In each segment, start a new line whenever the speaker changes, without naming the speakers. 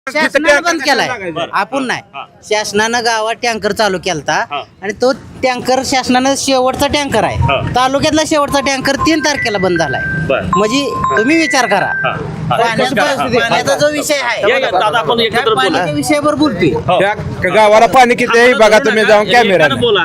शासनानं बंद केलाय आपण नाही. शासनानं गावात टँकर चालू केलता आणि तो टँकर शासनानं शेवटचा टँकर आहे तालुक्यातला शेवटचा टँकर 3 तारखेला बंद झालाय. म्हणजे तुम्ही विचार करा पाण्याचा जो विषय आहे पाण्याच्या विषयावर बोलतोय.
त्या गावाला पाणी किती आहे बघा तुम्ही जाऊन कॅमेरा
बोला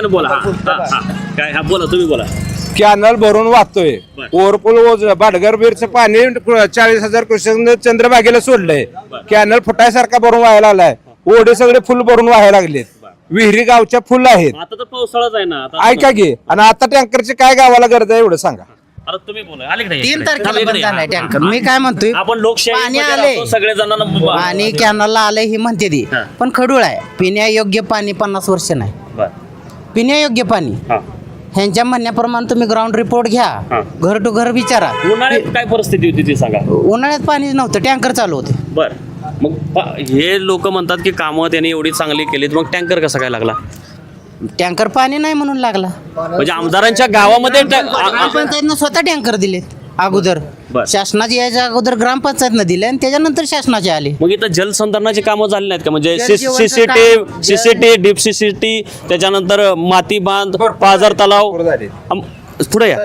काय हा बोला तुम्ही बोला.
कॅनल भरून वाहतोय ओव्हरपूल बाडगर बीरचं पाणी 40,000 क्युसेक चंद्रभागेला सोडलंय. कॅनल फुटायसारखा भरून व्हायला लागलाय. ओढे सगळे फुल भरून व्हायला लागलेत. विहिरी गावच्या फुल आहेत.
आता तर पावसाळाच आहे ना.
ऐका की आणि आता टँकरची काय गावाला गरज आहे एवढं सांगा.
आता तुम्ही बोला आले की
3 तारखेला बंद झालाय टँकर. मी काय म्हणतोय
आपण लोकशाही
पाणी आले
सगळे जणांना
आणि कॅनलला आलंय ही म्हणते ती पण खडूळ आहे. पिण्यायोग्य पाणी 50 वर्ष नाही. पिण्यायोग्य पाणी ह्यांच्या म्हणण्याप्रमाणे तुम्ही ग्राउंड रिपोर्ट घ्या घर टू घर विचारा.
उन्हाळ्यात काय परिस्थिती होती ती सांगा.
उन्हाळ्यात पाणी नव्हतं टँकर चालू होते.
बर मग हे लोक म्हणतात की कामं त्यांनी एवढी चांगली केलीत मग टँकर कसा काय लागला.
टँकर पाणी नाही म्हणून लागला.
म्हणजे आमदारांच्या गावामध्ये
ग्रामपंचायतनं स्वतः टँकर दिलेत अगोदर. शासनाचे यायच्या अगोदर ग्रामपंचायतनं दिले आणि त्याच्यानंतर शासनाचे आले.
मग इथं जलसंधारणाची कामं झाली नाहीत का. म्हणजे सीसीटी डीप सीसीटी त्याच्यानंतर माती बांध पाझर तलाव पुढे या.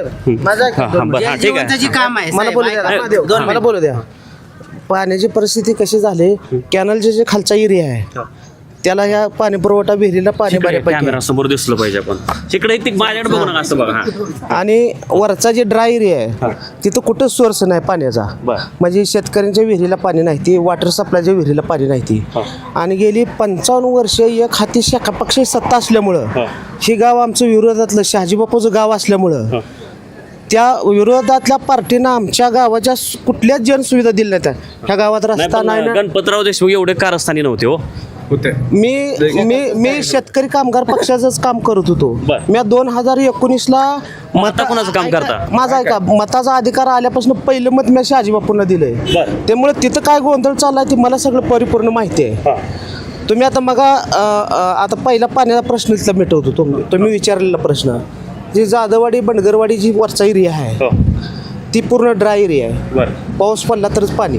ठीक आहे
काम आहे
मला बोलू द्या. पाण्याची परिस्थिती कशी झाली कॅनलचे जे खालचा एरिया आहे त्याला ह्या पाणी पुरवठा विहिरीला पाणी
कॅमेरा समोर दिसलं पाहिजे आपण तिकडे माझ्याकडे बघू नका असं बघा.
आणि वरचा जे ड्राय एरिया आहे तिथं कुठंच सोर्स नाही पाण्याचा. म्हणजे शेतकऱ्यांच्या विहिरीला पाणी नाही ती वॉटर सप्लायच्या विहिरीला पाणी नाही ती. आणि गेली 55 वर्ष एक हाती शाखा पक्षी सत्ता असल्यामुळं हे गाव आमचं विरोधातलं शहाजीबापूचं गाव असल्यामुळं त्या विरोधातल्या पार्टीनं आमच्या गावाच्या कुठल्याच जनसुविधा दिल्या नाहीत. ह्या गावात रस्ता नाही.
गणपतराव देशमुख एवढे कारस्थानी नव्हते हो.
मी शेतकरी कामगार पक्षाचंच काम करत होतो. मी 2019ला
कोणाचं काम करता.
माझा ऐका मताचा अधिकार आल्यापासून पहिलं मत मी शहाजीबापूंना दिलंय. त्यामुळे तिथं काय गोंधळ चाललाय ते मला सगळं परिपूर्ण माहिती आहे. तुम्ही आता मग आता पहिला पाण्याचा प्रश्न तिथला मिटवतो. तुम्ही विचारलेला प्रश्न जी जाधववाडी बनगरवाडी जी वरचा एरिया आहे ती पूर्ण ड्राय एरिया आहे. पाऊस पडला तरच पाणी.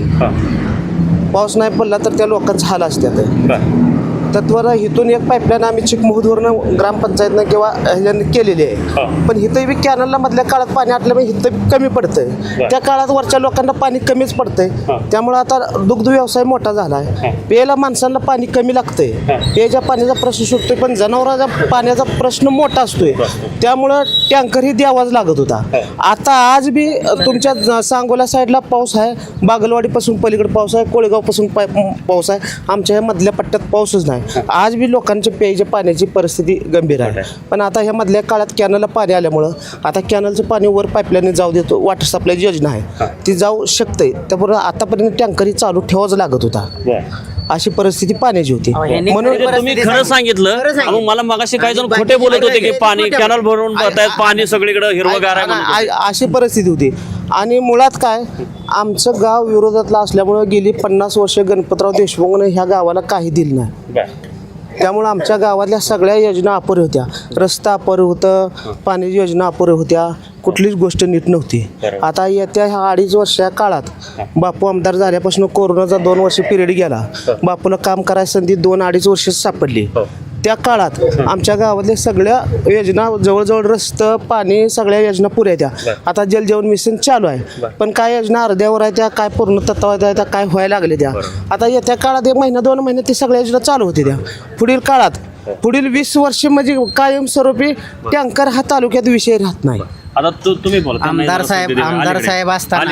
पाऊस नाही पडला तर त्या लोकांचा हाल असतात. तत्वर इथून एक पाईपलाईन आम्ही चिकमहूदवरनं ग्रामपंचायतनं किंवा ह्याच्यानं केलेली आहे. पण इथं बी कॅनलला मधल्या काळात पाणी आटल्यामुळे इथं कमी पडतंय. त्या काळात वरच्या लोकांना पाणी कमीच पडतंय. त्यामुळे आता दुग्ध व्यवसाय मोठा झाला आहे. प्यायला माणसांना पाणी कमी लागतंय. प्यायच्या पाण्याचा प्रश्न सुटतोय पण जनावरांचा पाण्याचा प्रश्न मोठा असतोय. त्यामुळं टँकर ही द्यावाच लागत होता. आता आज बी तुमच्या सांगोला साईडला पाऊस आहे. बागलवाडीपासून पलीकडे पाऊस आहे. कोळेगावपासून पाऊस आहे. आमच्या ह्या मधल्या पट्ट्यात पाऊसच नाही. आज बी लोकांच्या प्यायच्या पाण्याची परिस्थिती गंभीर आहे. पण आता ह्या मधल्या काळात कॅनलला पाणी आल्यामुळं आता कॅनलचं पाणी वर पाईपलाईन जाऊ देतो. वॉटर सप्लाय योजना आहे ती जाऊ शकते. त्याबरोबर आतापर्यंत टँकरही चालू ठेवाच लागत होता. अशी परिस्थिती पाण्याची होती.
म्हणून तुम्ही खरं सांगितलं. मला मगाशी काही जण खोटे बोलत होते की पाणी कॅनल भरून पाणी सगळीकडे हिरवगार आहे
अशी परिस्थिती होती. आणि मुळात काय आमचं गाव विरोधातलं असल्यामुळं गेली 50 वर्ष गणपतराव देशमुखने ह्या गावाला काही दिलं नाही. त्यामुळं आमच्या गावातल्या सगळ्या योजना अपुऱ्या होत्या. रस्ता अपुरं होतं. पाण्याची योजना अपुऱ्या होत्या. कुठलीच गोष्ट नीट नव्हती. आता येत्या ह्या 2.5 वर्षाच्या काळात बापू आमदार झाल्यापासून कोरोनाचा 2 वर्ष पिरियड गेला. बापूला काम करायची संधी 2-2.5 वर्ष सापडली. त्या काळात आमच्या गावातल्या सगळ्या योजना जवळजवळ रस्तं पाणी सगळ्या योजना पुऱ्या त्या. आता जल जीवन मिशन चालू आहे पण काय योजना अर्ध्यावर आहे त्या काय पूर्ण तत्वावर आहे त्या काय व्हायला लागले त्या. आता येत्या काळात 1 महिना 2 महिने ते सगळ्या योजना चालू होते त्या. पुढील काळात पुढील 20 वर्ष म्हणजे कायमस्वरूपी टँकर हा तालुक्यात विषय राहत नाही.
आता तुम्ही बोला.
आमदार साहेब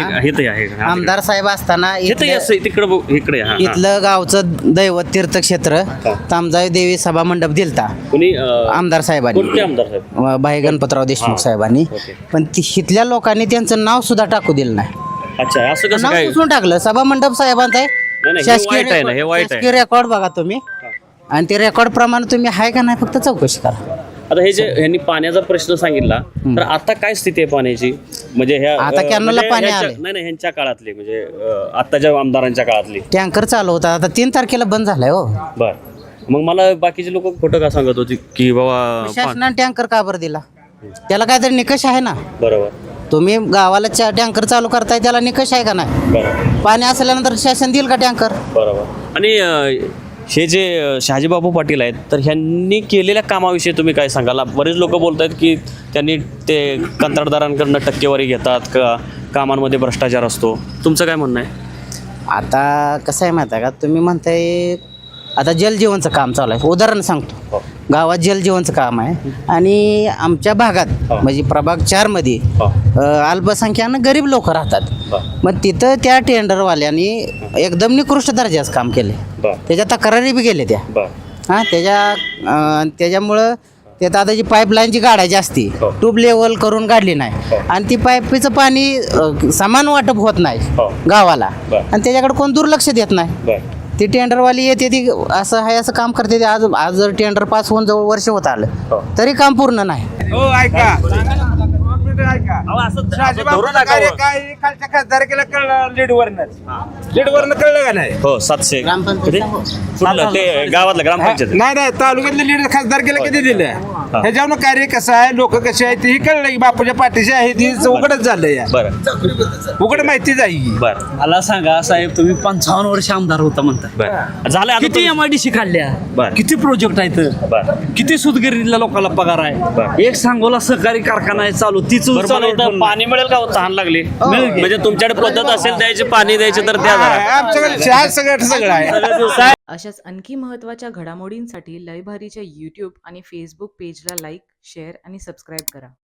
असताना इथलं गावचं दैवत तीर्थक्षेत्र तामजाई देवी सभा मंडप दिलता आमदार साहेबांनी भाई गणपतराव देशमुख साहेबांनी. पण इथल्या लोकांनी त्यांचं नाव सुद्धा टाकू दिलं नाही.
अच्छा असं कसं
नाव
काय
पुसून टाकलं. सभा मंडप साहेबांचा आहे. शासकीय रेकॉर्ड बघा तुम्ही आणि ते रेकॉर्ड प्रमाणे तुम्ही आहे का नाही फक्त चौकशी करा.
आता हे जे ह्यांनी पाण्याचा प्रश्न सांगितला तर आता काय स्थिती आहे पाण्याची. म्हणजे ह्या
आता कॅनलला पाणी आले
नाही ह्यांच्या काळातली म्हणजे आताच्या आमदारांच्या काळातली
टँकर चालू होता. आता 3 तारखेला बंद झालाय हो.
बर मग मला बाकीचे लोक खोटं का सांगत होते की बाबा
शासनाने टँकर का बरं दिला. त्याला काहीतरी निकष आहे ना.
बरोबर
तुम्ही गावाला टँकर चालू करताय त्याला निकष आहे का नाही? पाणी असल्यानंतर शासन देईल का टँकर?
बरोबर. आणि हे जे शहाजीबापू पाटील आहेत तर ह्यांनी केलेल्या कामाविषयी तुम्ही काय सांगाल? बरेच लोक बोलत आहेत की त्यांनी ते कंत्राटदारांकडनं टक्केवारी घेतात का, कामांमध्ये भ्रष्टाचार असतो. तुमचं काय म्हणणं आहे?
आता कसं आहे माहिती आहे का, तुम्ही म्हणताय आता जलजीवनचं काम चालू आहे. उदाहरण सांगतो, गावात जलजीवनचं काम आहे आणि आमच्या भागात म्हणजे प्रभाग 4 मध्ये अल्पसंख्यानं गरीब लोक राहतात. मग तिथं त्या टेंडरवाल्यांनी एकदम निकृष्ट दर्जाचं काम केले. त्याच्या तक्रारी बी गेले त्या. हां, त्याच्यामुळं ते आता जी पाईपलाईनची गाडायची असती ट्यूब लेवल करून काढली नाही आणि ती पाईपचं पाणी समान वाटप होत नाही गावाला आणि त्याच्याकडे कोण दुर्लक्ष देत नाही. ती टेंडरवाली येते ती असं आहे असं काम करते. आज जर टेंडर पास होऊन जवळ वर्ष होत आलं तरी काम पूर्ण नाही.
खालच्या खासदारकीला कळलं लीडवरनं कळलं का नाही?
हो 700 ते गावातलं ग्रामपंचायत.
नाही तालुक्यातलं लीड खासदारकीला किती दिलं ह्याच्यावर कार्य कसं आहे, लोक कसे आहेत तेही कळलं की बापूच्या पाठीशी आहे ती उघडच झालं या.
बरं
उघड माहितीच आहे.
बरं
मला सांगा साहेब, तुम्ही 55 वर्ष आमदार होता म्हणता.
बरं झालं आता
किती MIDC काढल्या,
बरं.
किती प्रोजेक्ट आहेत,
बरं.
किती सुतगिरणीला लोकांना पगार
बरं.
आहे. एक सांगोला सहकारी कारखाना आहे चालू, तीच
बरं, मला इथं पाणी मिळेल का? तहान लागली म्हणजे तुमच्याकडे पद्धत असेल द्यायचे, पाणी द्यायचे तर द्या जरा.
आमच्याकडे चहा सगळं आहे.
अशाच आणखी महत्त्वाच्या घडामोडींसाठी लय भारीच्या यूट्यूब आणि फेसबुक पेजला लाईक, शेअर आणि सबस्क्राईब करा.